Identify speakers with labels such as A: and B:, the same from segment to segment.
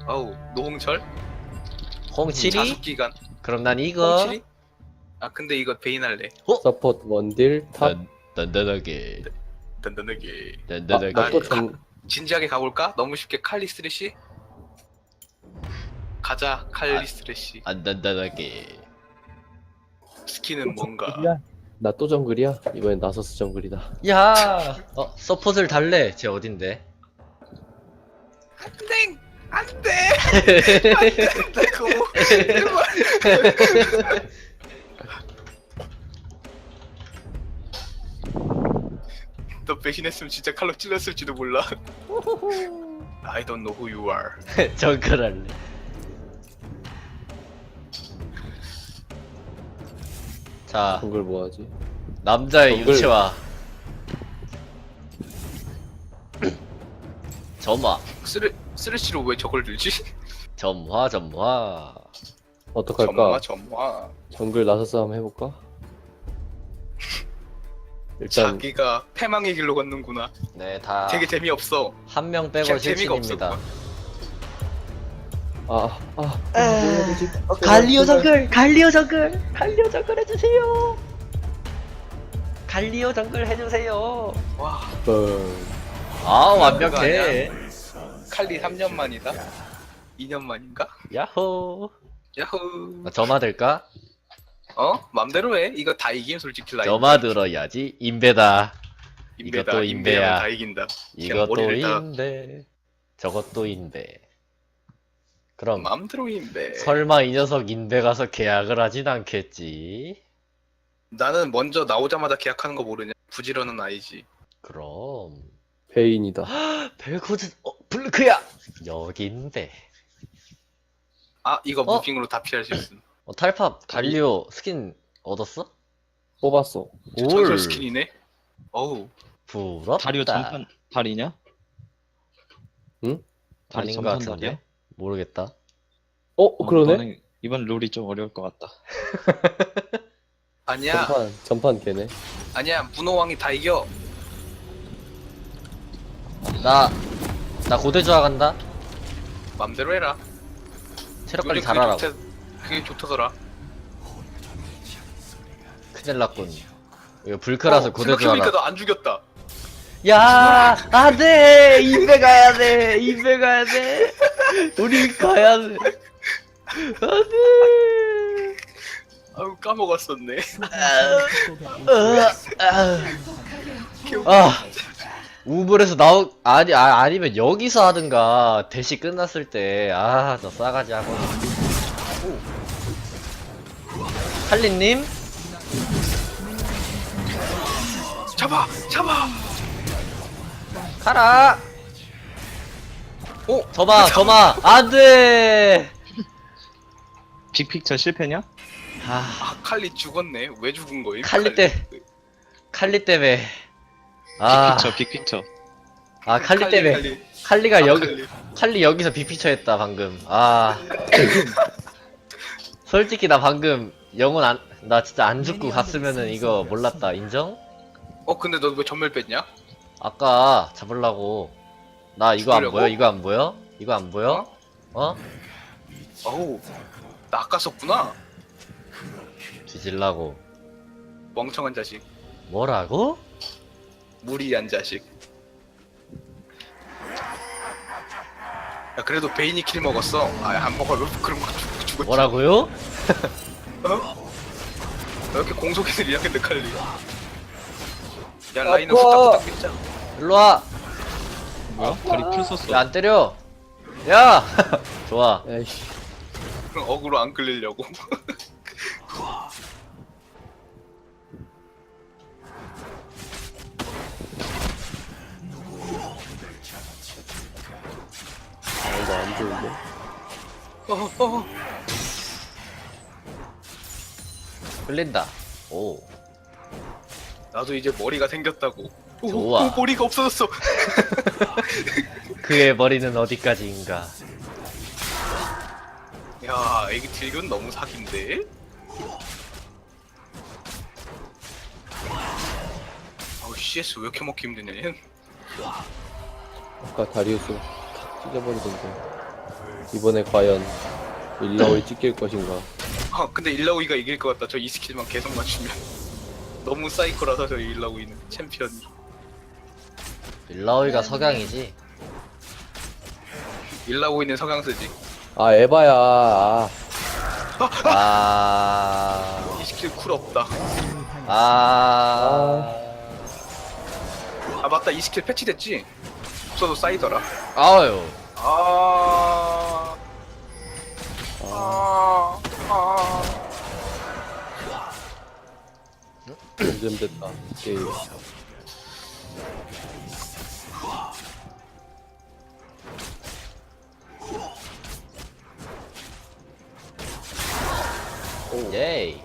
A: 어우 노홍철?
B: 홍칠이?
A: 자숙기간.
B: 그럼 난 이거.
A: 홍칠이? 아 근데 이거 베인 할래.
C: 서포트 원딜 탑.
B: 단단하게.
A: 든든하게.
B: 단단하게.
C: 나 또
A: 아,
C: 전
A: 진지하게 가볼까? 너무 쉽게 칼리 스트레시? 가자 칼리 스트레시.
B: 안 단단하게.
A: 스킨은 뭔가.
C: 나 또 정글이야? 이번엔 나서스 정글이다.
B: 야! 서폿을 달래. 쟤 어딘데?
A: 땡! 안돼! 안돼 그거 제발. 너 배신했으면 진짜 칼로 찔렀을지도 몰라. I don't know who you are.
B: 정글 할래. 자,
C: 정글 뭐하지?
B: 남자의
C: 정글.
B: 유체와 점화.
A: 쓰레쉬로 왜 저걸 들지?
B: 점화.
C: 어떡할까?
A: 점화.
C: 정글 나서스 한번 해볼까? 일단
A: 자기가 패망의 길로 걷는구나.
B: 네, 다
A: 되게 재미없어.
B: 한 명 빼고
A: 그냥 재미가 없어.
B: 실친입니다.
C: 뭐 해야 되지?
B: 갈리오 정글 해주세요. 갈리오 정글 해주세요.
A: 와
B: 아,
A: 그거
B: 완벽해.
A: 칼리 3년 만이다. 2년 만인가?
B: 야호.
A: 야호.
B: 점화 될까?
A: 맘대로 해. 이거 다 이김 솔직히 라인.
B: 점화 들어야지. 인베다.
A: 인베다.
B: 이것도
A: 인베면
B: 인베야.
A: 다 이긴다. 그냥
B: 이것도
A: 머리를 다
B: 인베. 저것도 인베. 그럼
A: 맘대로 인베.
B: 설마 이 녀석 인베 가서 계약을 하진 않겠지?
A: 나는 먼저 나오자마자 계약하는 거 모르냐? 부지런은 아니지.
B: 그럼
C: 베인이다.
B: 벨코즈 블루크야. 여기 인베.
A: 아 이거 무빙으로 다 피할 수 있음.
B: 탈팝 갈리오 스킨 얻었어?
C: 뽑았어.
A: 전설 스킨이네. 어우.
B: 부럽다.
D: 다리오 전판 달이냐?
C: 응?
D: 다리
B: 아닌 것
D: 전판
B: 같은데?
D: 달이야?
B: 모르겠다.
C: 그러네?
D: 너는 이번 룰이 좀 어려울 것 같다.
A: 아니야.
C: 전판 걔네.
A: 아니야. 문호왕이 다 이겨.
B: 나 고대주화 간다.
A: 맘대로 해라.
B: 체력 관리
A: 요즘
B: 잘하라고.
A: 그게 좋다더라.
B: 큰일 났군. 이거 불크라서 고대주화가.
A: 생각해보니까 너 안 죽였다.
B: 야, 안돼. 인베 가야 돼. 인베 가야 돼. 우리 가야 돼. 안돼.
A: 아유 까먹었었네.
B: 우물에서 아니면 여기서 하든가 대시 끝났을 때 저 싸가지 하고. 칼리님
A: 잡아.
B: 가라.
A: 오.
B: 점아 안돼.
D: 빅픽처 실패냐?
A: 아 칼리 죽었네. 왜 죽은 거임?
B: 칼리 때문에.
D: 빅픽처.
B: 칼리 때문에. 칼리가 칼리 여기서 빅피처 했다 방금. 솔직히 나 방금 영혼 나 진짜 안 죽고 갔으면은 이거 몰랐다. 인정?
A: 근데 너 왜 전멸 뺐냐?
B: 아까 잡으려고. 나 이거 안
A: 죽으려고?
B: 보여? 이거 안 보여? 이거 안 보여?
A: 어우 나 아까 썼구나.
B: 뒤질라고.
A: 멍청한 자식.
B: 뭐라고?
A: 무리한 자식. 야 그래도 베인이 킬 먹었어. 안 먹어. 왜 그런 거 죽었지?
B: 뭐라고요?
A: 왜 이렇게 공속애들이야 근데 칼리. 야 라인은 후딱후딱 뺐자.
B: 일로와.
D: 뭐야? 다리 풀 썼어.
B: 야 안 때려. 야. 좋아.
C: 에이씨.
A: 그럼 어그로 안 끌리려고.
C: 이거 안 좋은데?
B: 끌린다. 오.
A: 나도 이제 머리가 생겼다고.
B: 좋아.
A: 머리가 없어졌어.
B: 그의 머리는 어디까지인가.
A: 야 애기 딜은 너무 사기인데? 아우 CS 왜 이렇게 먹기 힘드냐 얘.
C: 아까 다리우스 탁 찢어버리던데. 이번에 과연 일라오이 찍힐 것인가?
A: 아 근데 일라오이가 이길 것 같다. 저 이 스킬만 계속 맞추면. 너무 사이코라서 저 일라오이는 챔피언이.
B: 일라오이가 석양이지.
A: 일라오이는 성향쓰지.
C: 아 에바야. 아,
B: 아,
A: 이 스킬 쿨 없다.
B: 아,
A: 아 맞다, 이 스킬 패치됐지? 없어도 쌓이더라.
B: 아유.
A: 아, 아.
C: 점점 됐다. 게임.
B: 예이.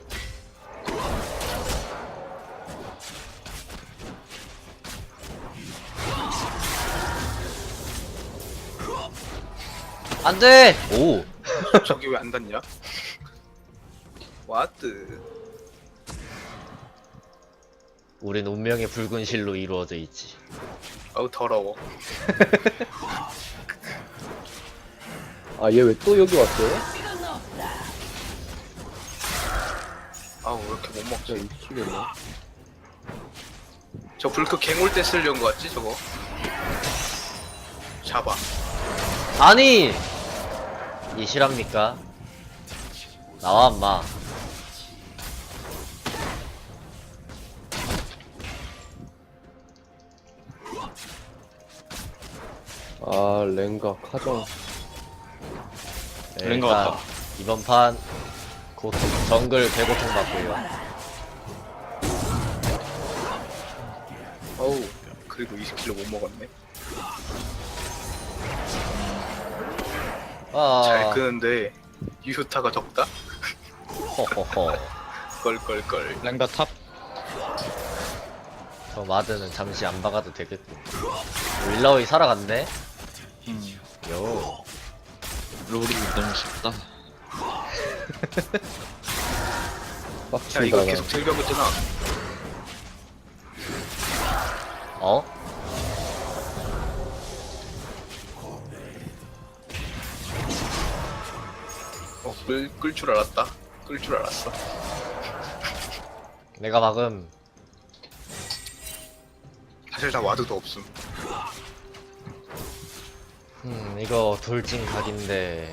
B: 안 돼! 오!
A: 저기 왜 안 닿냐? 와트.
B: 우린 운명의 붉은 실로 이루어져 있지.
A: 어우 더러워.
C: 아 얘 왜 또 여기 왔어요?
A: 아우 왜 이렇게 못 먹지?
C: 진짜 미치겠네.
A: 저 불크 갱올 때 쓰려는 거 같지 저거? 잡아.
B: 아니! 이 실합니까? 나와, 엄마.
C: 아 랭가 카정.
B: 네,
D: 그런 것
B: 일단
D: 같다.
B: 이번 판 고통, 정글 개고통 받고요.
A: 어우 그리고 20킬로 못 먹었네. 잘
B: 아,
A: 끄는데 유효타가 적다?
B: 허허허.
A: 껄껄껄.
D: 랭가 탑.
B: 저 마드는 잠시 안 박아도 되겠군. 윌라오이 살아갔네? 요.
D: 롤이 너무 쉽다.
A: 야
C: 빡친다.
A: 이거 계속 들벼고 있잖아.
B: 어?
A: 끌 줄 알았다. 끌 줄 알았어.
B: 내가 막음.
A: 사실 나 와드도 없음.
B: 이거 돌진 각인데.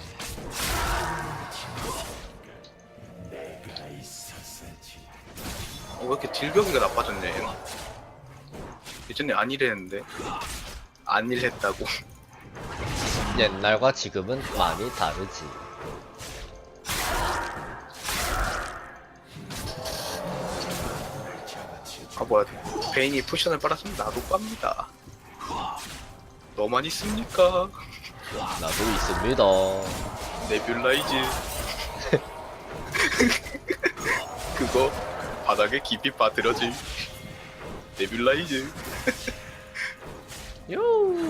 A: 왜 이렇게 딜벽이가 나빠졌냐 얘는. 예전에 안 이랬는데. 안 일했다고.
B: 옛날과 지금은 많이 다르지.
A: 아 뭐야, 베인이 포션을 빨았으면 나도 깝니다. 너만 있습니까?
B: 나도 있습니다.
A: 네뷸라이즈. 그거 바닥에 깊이 빠뜨려지. 네뷸라이즈.
B: 요.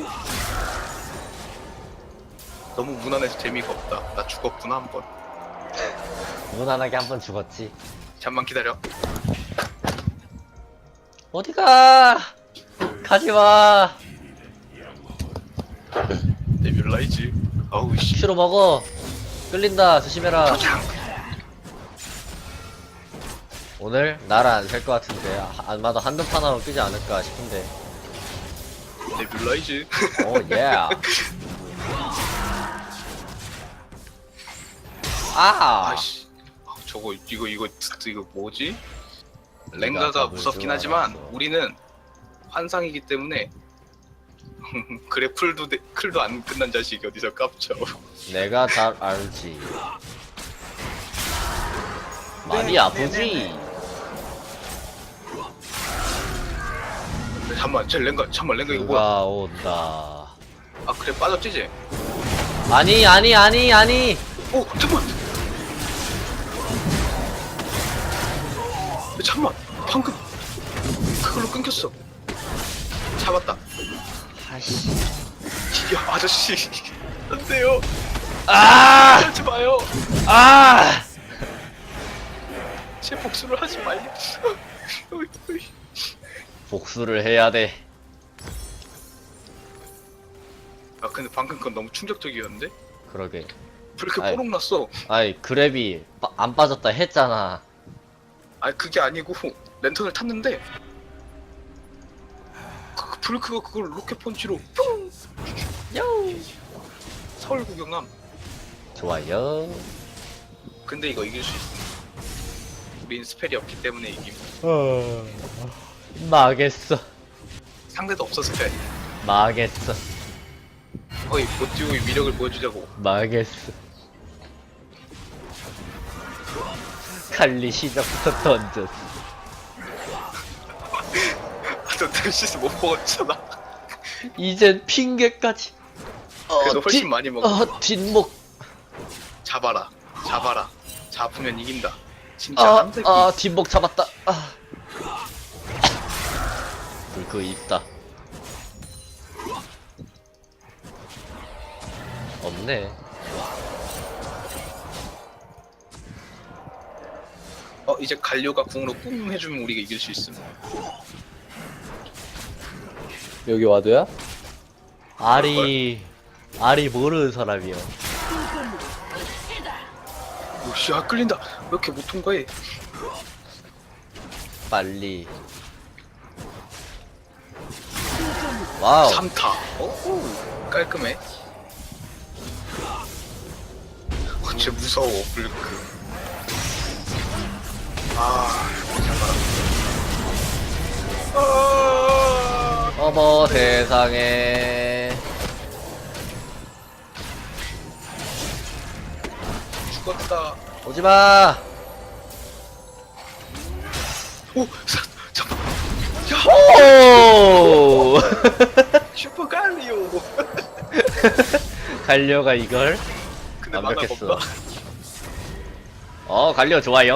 A: 너무 무난해서 재미가 없다. 나 죽었구나 한번.
B: 무난하게 한 번 죽었지.
A: 잠만 기다려.
B: 어디가? 가지마.
A: 네뷸라이즈. 아우 씨.
B: 큐로 먹어. 끌린다. 조심해라.
A: 도장.
B: 오늘 나라 안 살 것 같은데 아마도 한두 판 하고 끼지 않을까 싶은데.
A: 네뷸라이즈.
B: 오 예. 아.
A: 아씨. 저거 이거 뭐지?
B: 네가
A: 랭가가
B: 잡을
A: 무섭긴
B: 줄
A: 하지만
B: 알았어.
A: 우리는 환상이기 때문에 그래 클도 안 끝난 자식이 어디서 깝쳐.
B: 내가 잘 알지. 많이 아프지.
A: 잠만 랭가 이거 뭐야?
B: 누가 온다.
A: 아 그래 빠졌지 쟤?
B: 아니.
A: 오 잠만 방금 그걸로 끊겼어. 잡았다.
B: 아씨.
A: 야 아저씨 안돼요.
B: 아.
A: 하지 마요.
B: 아.
A: 제 복수를 하지 말려.
B: 복수를 해야 돼.
A: 아 근데 방금 건 너무 충격적이었는데?
B: 그러게.
A: 그렇게
B: 아이.
A: 뽀록 났어.
B: 아이 그랩이 안 빠졌다 했잖아.
A: 아니 그게 아니고 랜턴을 탔는데 브루크가 그걸 로켓 펀치로 뿅! 서울 구경함.
B: 좋아요.
A: 근데 이거 이길 수 있어. 우린 스펠이 없기 때문에 이김.
B: 망했어.
A: 상대도 없어 스펠.
B: 망했어.
A: 어이 보티오의 위력을 보여주자고.
B: 망했어. 칼리 시작부터 던졌어.
A: 아저 델시스 못 먹었잖아.
B: 이젠 핑계까지.
A: 그래도 훨씬 많이 먹어.
B: 뒷목.
A: 잡아라. 잡아라. 잡으면 이긴다. 진짜 한대기.
B: 뒷목 잡았다. 불그 있다. 없네.
A: 이제 갈료가 궁으로 뿡 해주면 우리가 이길 수 있음.
C: 여기 와드야?
B: 알이 모르는 사람이야.
A: 오씨 아 끌린다. 왜 이렇게 못 통과해?
B: 빨리. 와우.
A: 3타. 오 깔끔해. 진짜 무서워 블크. 잡아라.
B: 어머 세상에.
A: 죽었다.
B: 오지마.
A: 오 잠깐. 야
B: 오.
A: 슈퍼 갈리오.
B: 갈려가 이걸.
A: 근데 만화가
B: 완벽했어.
A: 없나?
B: 갈려 좋아요.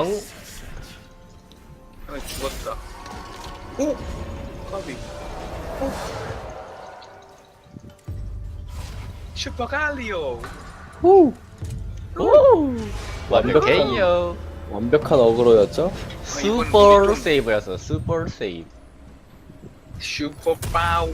A: 아 죽었다. 오 까비. 오 슈퍼 갈리오.
C: 후!
B: 완벽해요.
C: 완벽한 어그로였죠?
B: 슈퍼 세이브였어. 슈퍼 세이브.
A: 슈퍼 파워.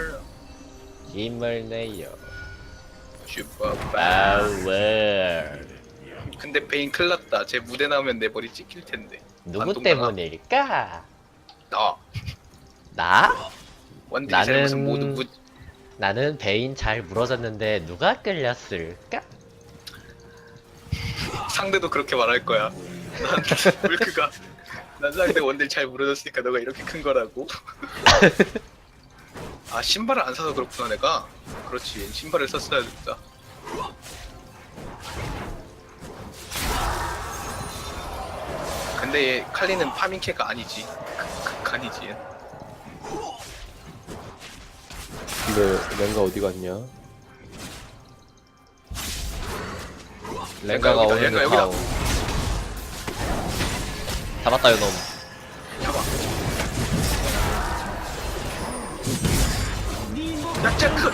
B: 힘을 내요.
A: 슈퍼 파워.
B: 파워.
A: 근데 베인 큰일 났다. 제 무대 나오면 내 머리 찍힐 텐데.
B: 누구
A: 안 동당하-
B: 때문일까?
A: 나
B: 나?
A: 원딜이
B: 나는-
A: 잘 무슨 모두 무
B: 나는 베인 잘 물어졌는데 누가 끌렸을까?
A: 상대도 그렇게 말할 거야. 난 물크가 난 상대 원딜 잘 무너졌으니까 너가 이렇게 큰 거라고. 아 신발을 안 사서 그렇구나 내가. 그렇지 신발을 샀어야 됐다. 근데 얘 칼리는 파밍캐가 아니지. 극한이지. 얘.
C: 근데 랭가 어디 갔냐?
B: 랭가가
A: 여기다,
B: 오는
A: 랭가
B: 듯 하오.
A: 여기다.
B: 잡았다 요놈.
A: 잡아. 약자크.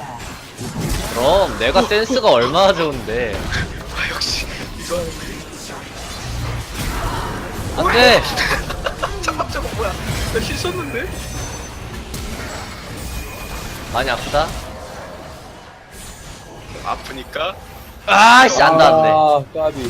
B: 그럼 내가 센스가 얼마나 좋은데.
A: 아 역시 이거
B: 안돼.
A: 잠깐 뭐야? 나 실수했는데?
B: 많이 아프다.
A: 아프니까
B: 아씨 안 닿았네.
C: 아, 까비.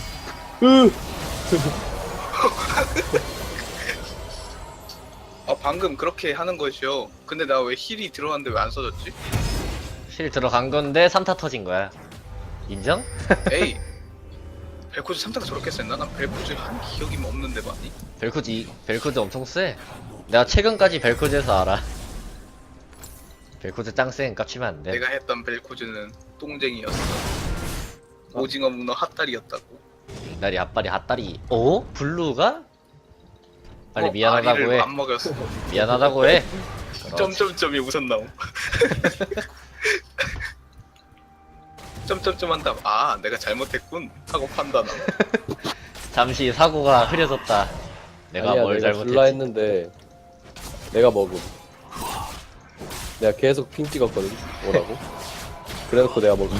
A: 방금 그렇게 하는 것이요. 근데 나 왜 힐이 들어갔는데 왜 안 써졌지?
B: 실 들어간 건데 3타 터진 거야. 인정?
A: 에이 벨코즈 3타가 저렇게 셌나? 난 벨코즈 한 기억이 없는데 많이.
B: 벨코즈 엄청 세. 내가 최근까지 벨코즈에서 알아. 벨코즈 짱 세. 깝치면 안 돼.
A: 내가 했던 벨코즈는 똥쟁이였어. 오징어 문어 핫다리였다고.
B: 날이 앞발이 핫다리. 오? 블루가? 빨리
A: 아리를
B: 미안하다고 해.
A: 안 먹였어.
B: 미안하다고 해.
A: 점점점이 우선 나옴. 점점점 한다. 아 내가 잘못했군 하고 판단함.
B: 잠시 사고가 흐려졌다. 내가
C: 아니야,
B: 뭘
C: 줄라
B: 잘못했지?
C: 했는데 내가 먹음. 내가 계속 핑 찍었거든. 뭐라고? 그래놓고 내가 먹음.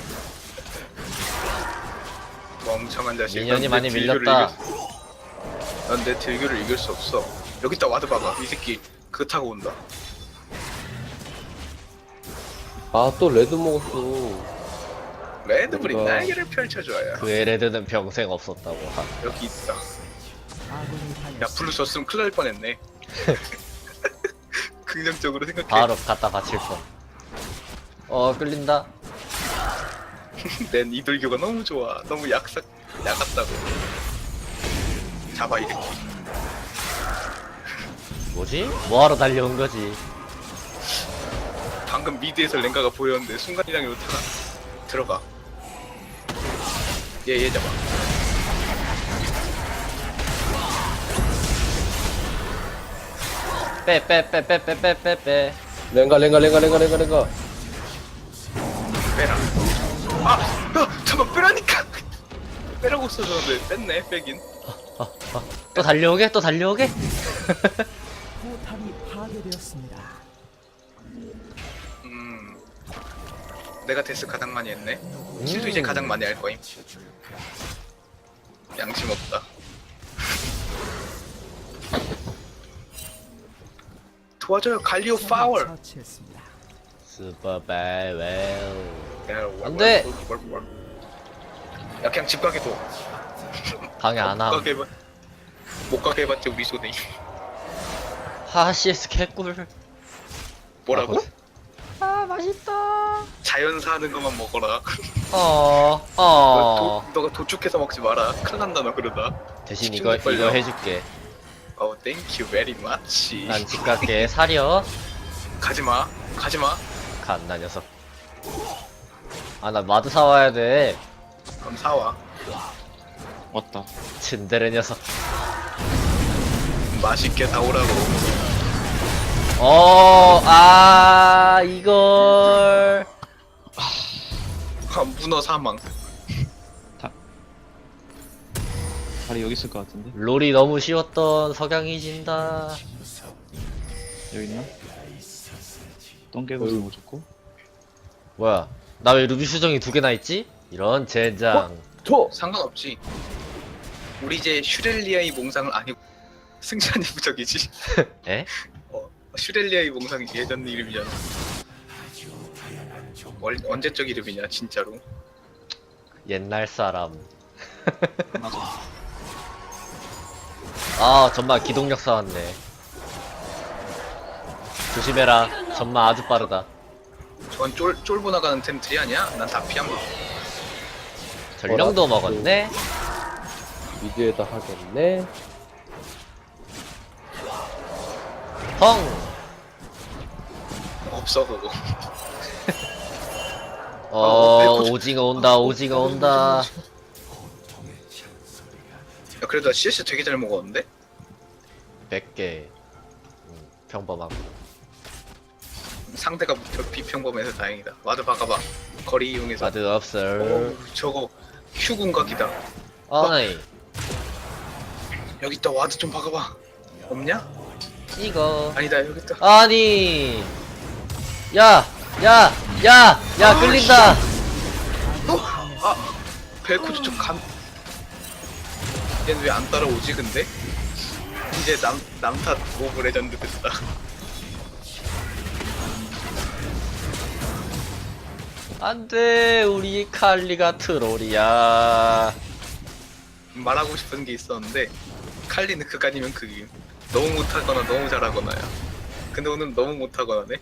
A: 멍청한 자식.
B: 미니언이 많이 밀렸다.
A: 난 내 딜교를 이길 수 없어. 여기다 와드 박아. 이 새끼 그거 타고 온다.
C: 아, 또 레드 먹었어.
A: 레드불이
C: 이거-
A: 날개를 펼쳐줘요.
B: 그 에레드는 평생 없었다고 하.
A: 여기 있다.
E: 아군이
A: 야
E: 당했습니다.
A: 블루 줬으면 큰일 날 뻔했네. 긍정적으로 생각해.
B: 바로 갖다 바칠 뻔. 끌린다.
A: 낸 이돌교가 너무 좋아. 너무 약았다고. 잡아 이렇게.
B: 뭐지? 뭐하러 달려온 거지?
A: 방금 미드에서 랭가가 보였는데 순간이동으로 들어가. 얘 잡아.
B: 빼.
C: 랭가.
A: 빼라. 잠깐 빼라니까. 빼라고 써줬는데 뺐네. 빼긴.
B: 또 달려오게?
E: 포탑이 파괴되었습니다.
A: 내가 데스 가장 많이 했네. 실도 이제 가장 많이 할 거임. 양심 없다. 도와줘요 갈리오 파월.
E: 처치했습니다.
B: 슈퍼바이웰. 안
A: 돼.
B: 돼.
A: 야 그냥 집 가게 둬.
B: 방해
A: 못
B: 안함.
A: 가게 해봐. 못 가게 해봤자 우리 손에.
B: CS 개꿀.
A: 뭐라고?
B: 아 맛있다.
A: 자연사 하는 것만 먹어라. 너가 도축해서 먹지 마라. 큰일 난다 너 그러다.
B: 대신
A: 집중력
B: 이거
A: 걸려.
B: 해줄게.
A: 땡큐 베리 마치.
B: 난 집 갈게. 사려.
A: 가지마.
B: 간나 녀석. 나 마드 사와야 돼.
A: 그럼 사와.
D: 왔다.
B: 츤데레 녀석.
A: 맛있게 사오라고.
B: 이걸.
A: 문어 사망.
D: 다리 여기 있을 것 같은데?
B: 롤이 너무 쉬웠던 석양이 진다.
D: 여기 있나? 똥 깨고 있는 거 좋고.
B: 뭐야? 나 왜 루비 수정이 2개나 있지? 이런 젠장.
A: 상관없지. 우리 이제 슈렐리아의 몽상을 아니고 승찬이 부적이지.
B: 에?
A: 슈렐리아의 몽상이 예전 이름이잖아. 언제적 이름이냐 진짜로.
B: 옛날 사람.
D: 맞아.
B: 전마 기동력 쌓았네. 조심해라. 전마 아주 빠르다.
A: 저건 쫄보 나가는 템트리 아니야? 난 다 피한 거.
B: 전령도 먹었네.
C: 미드에다 하겠네.
B: 펑.
A: 없어 그거.
B: 오징어 온다.
A: 야 그래도 나 CS 되게 잘 먹었는데?
B: 100개. 평범하고.
A: 상대가 비평범해서 다행이다. 와드 박아봐. 거리 이용해서.
B: 마드 없어.
A: 저거 휴군각이다.
B: 어이.
A: 여기 있다. 와드 좀 박아봐. 없냐?
B: 이거.
A: 아니다 여기 있다.
B: 아니. 야 끌린다.
A: 벨코 저쪽 감. 얘는 왜 안 따라오지 근데? 이제 남탓 오브 레전드 됐다.
B: 안돼, 우리 칼리가 트롤이야.
A: 말하고 싶은 게 있었는데 칼리는 극아니면 극임. 너무 못하거나 너무 잘하거나야. 근데 오늘 너무 못하거나네.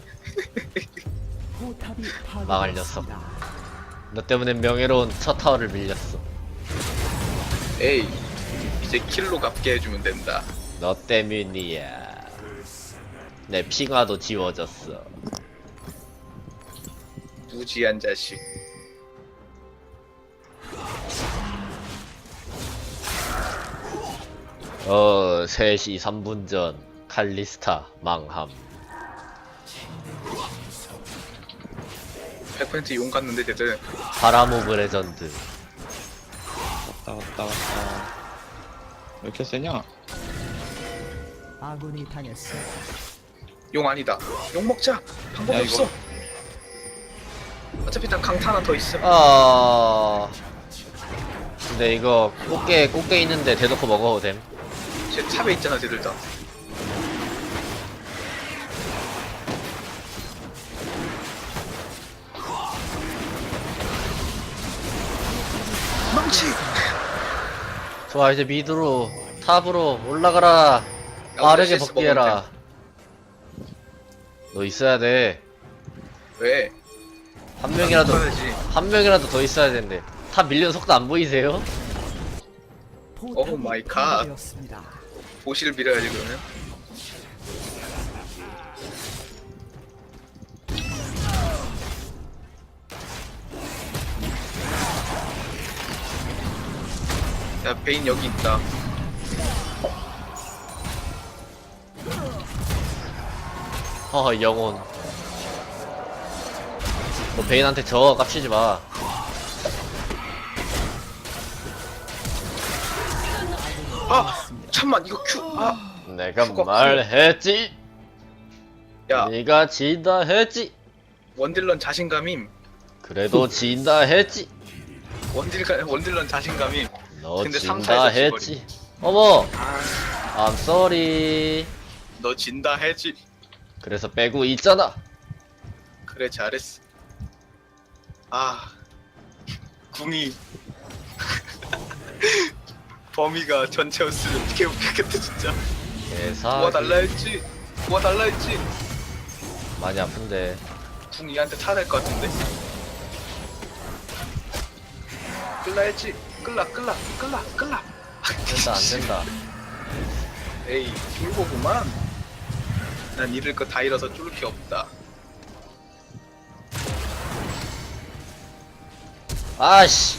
E: 포탑이
B: 망할 녀석.
E: 파괴되었습니다.
B: 너 때문에 명예로운 첫 타워를 밀렸어.
A: 에이 이제 킬로 갚게 해주면 된다.
B: 너 때문이야. 내 핑화도 지워졌어.
A: 무지한 자식.
B: 3시 3분 전 칼리스타 망함.
A: 100% 용 갔는데 쟤들.
B: 바람 오브 레전드.
D: 왔다. 왜 이렇게 세냐?
E: 아군이 당했습니다.
A: 용 아니다. 용 먹자. 방법이
D: 야,
A: 없어. 어차피 일단 강타 하나 더 있어.
B: 근데 이거 꽃게 있는데 대놓고 먹어도 됨.
A: 쟤 탑에 있잖아 쟤들 다. 망치.
B: 좋아, 이제 미드로 탑으로 올라가라. 빠르게
A: CS
B: 복귀해라. 너 있어야 돼.
A: 왜?
B: 한 명이라도
A: 써야지.
B: 한 명이라도 더 있어야 되는데. 탑 밀리는 속도 안 보이세요?
E: 포탑이
A: 마이 갓.
E: 파괴되었습니다.
A: 보시를 밀어야지 그러면. 야 베인 여기 있다.
B: 영혼. 너 베인한테 저 깝치지 마.
A: 아 잠만 이거 큐. 아
B: 내가
A: 그거
B: 말했지.
A: 야
B: 네가 진다 했지.
A: 원딜런 자신감임.
B: 그래도 진다 했지.
A: 원딜런 자신감임.
B: 너
A: 근데
B: 진다
A: 3-4에서
B: 했지. 어머,
A: 아,
B: I'm sorry.
A: 너 진다 해지.
B: 그래서 빼고 있잖아.
A: 그래 잘했어. 아 궁이 범위가 전체였으면 개웃기겠다 진짜.
B: 개사.
A: 도와달라 했지. 도와달라 했지.
B: 많이 아픈데.
A: 궁 이한테 타야 될 것 같은데. 끌라 했지. 끌라.
B: 안 된다, 안 된다.
A: 에이 쫄보구만. 난 잃을 거 다 잃어서 쫄 게 없다.
B: 아씨.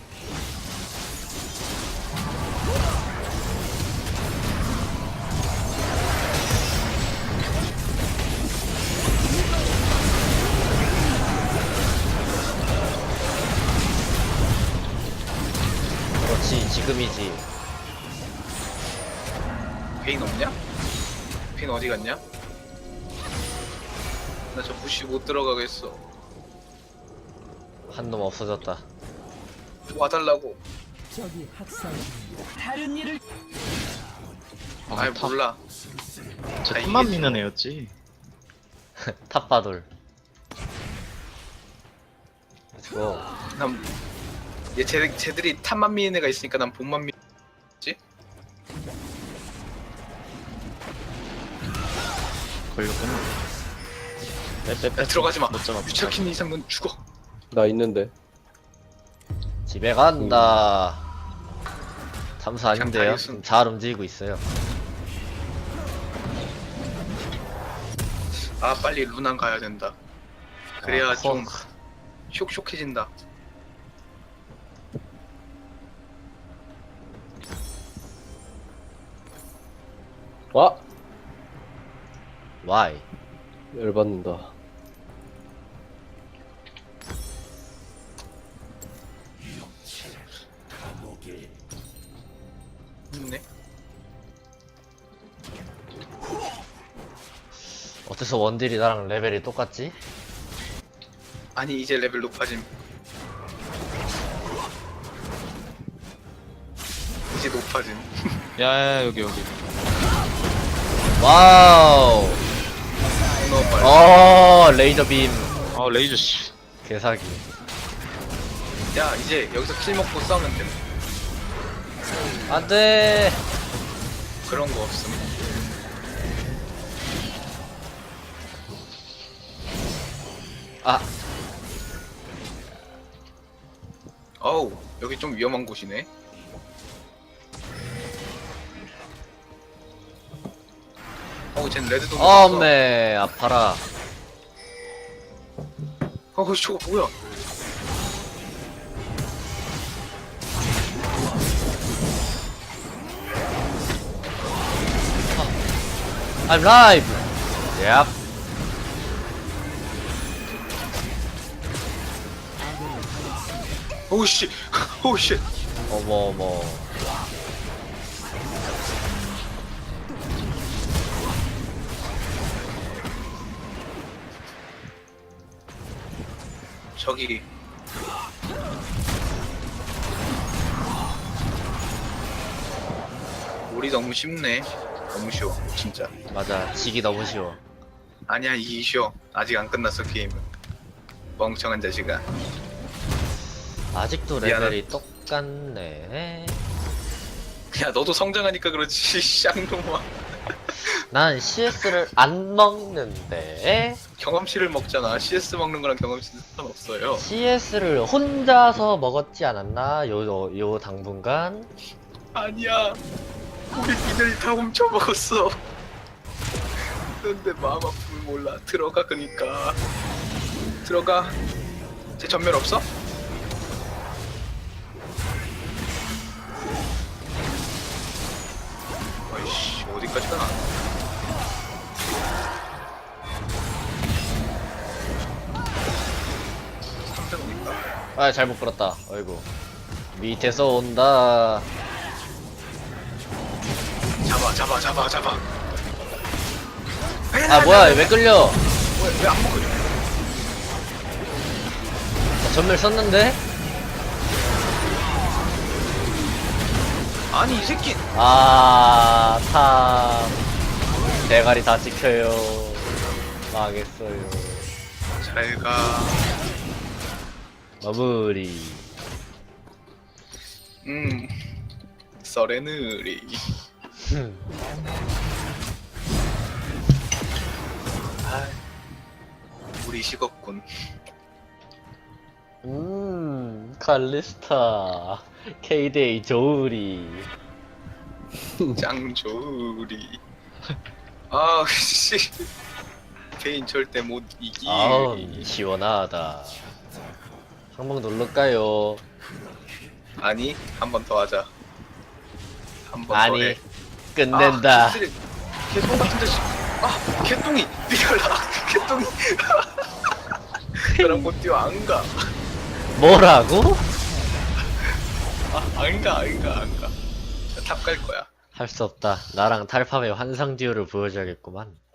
B: 그렇지, 지금이지.
A: 베인 없냐? 베인 어디 갔냐? 나 저 부시 못 들어가겠어.
B: 한 놈 없어졌다.
A: 와달라고.
E: 적이 학살 중입니다.
A: 아이 몰라.
D: 저
A: 아,
D: 탑만
A: 이게
D: 미는 애였지.
B: 탑바돌. 렛츠고.
A: 난얘 쟤들이 탑만 미는 애가 있으니까 난 본만 미지.
D: 걸렸구나.
B: 빼빼빼.
A: 야 들어가지 마.
D: 못 잡아.
A: 유차킨 이상은 죽어.
C: 나 있는데.
B: 집에 간다. 잠수 아닌데요?
A: 다이어트.
B: 잘 움직이고 있어요.
A: 아 빨리 루난 가야 된다. 그래야
B: 아,
A: 좀 쇽쇽해진다.
C: 와!
B: Why?
C: 열받는다.
A: 있네.
B: 어째서 원딜이 나랑 레벨이 똑같지?
A: 아니 이제 레벨 높아짐. 이제 높아짐.
D: 야야 여기.
B: 와우.
A: 너무 빨리.
B: 레이저 빔.
D: 레이저 씨.
B: 개사기.
A: 야 이제 여기서 킬 먹고 싸우면 돼.
B: 안돼.
A: 그런 거 없음.
B: 아,
A: 어우 여기 좀 위험한 곳이네. 어우 쟨 레드도
B: 엄매 아파라.
A: 어우 저거 뭐야.
B: I'm live. Yep.
A: 오우 씨. 오우 씨.
B: 어머 어머.
A: 저기 우리 너무 쉽네. 너무 쉬워 진짜.
B: 맞아. 지기 너무 쉬워.
A: 아니야 이기 쉬워. 아직 안 끝났어 게임은. 멍청한 자식아.
B: 아직도
A: 미안하다.
B: 레벨이 똑같네.
A: 야 너도 성장하니까 그렇지 쌍놈아.
B: 난 CS를 안 먹는데.
A: 경험치를 먹잖아. CS 먹는 거랑 경험치는 상관없어요.
B: CS를 혼자서 먹었지 않았나? 요 당분간.
A: 아니야. 우리 니들이 다 훔쳐 먹었어. 근데 마음 아픔을 몰라. 들어가 그니까. 들어가. 제 전멸 없어? 아이씨 어디까지 가나?
B: 아, 잘못 끌었다. 어이구. 밑에서 온다.
A: 잡아.
B: 아, 뭐야, 왜 끌려?
A: 왜안 먹어?
B: 나 전멸 썼는데?
A: 아니 이 새끼.
B: 아, 탐. 대가리 다 찍혀요. 망했어요.
A: 잘 가.
B: 마무리.
A: 썰에느리. 아, 우리 식었군.
B: 칼리스타. K-데이 조우리.
A: 짱조리. 아, 씨. 개인 절대 못 이기.
B: 아우, 시원하다. 한번 누를까요?
A: 아니, 한 번 더 하자. 한 번 더
B: 아니,
A: 해.
B: 끝낸다.
A: 아, 개똥 같은 자식. 아, 개똥이. 니가 개똥이. 나랑 못 뛰어 안 가.
B: 뭐라고?
A: 아, 안 가. 탑 갈 거야.
B: 할 수 없다. 나랑 탈팝의 환상 듀오를 보여줘야겠구만.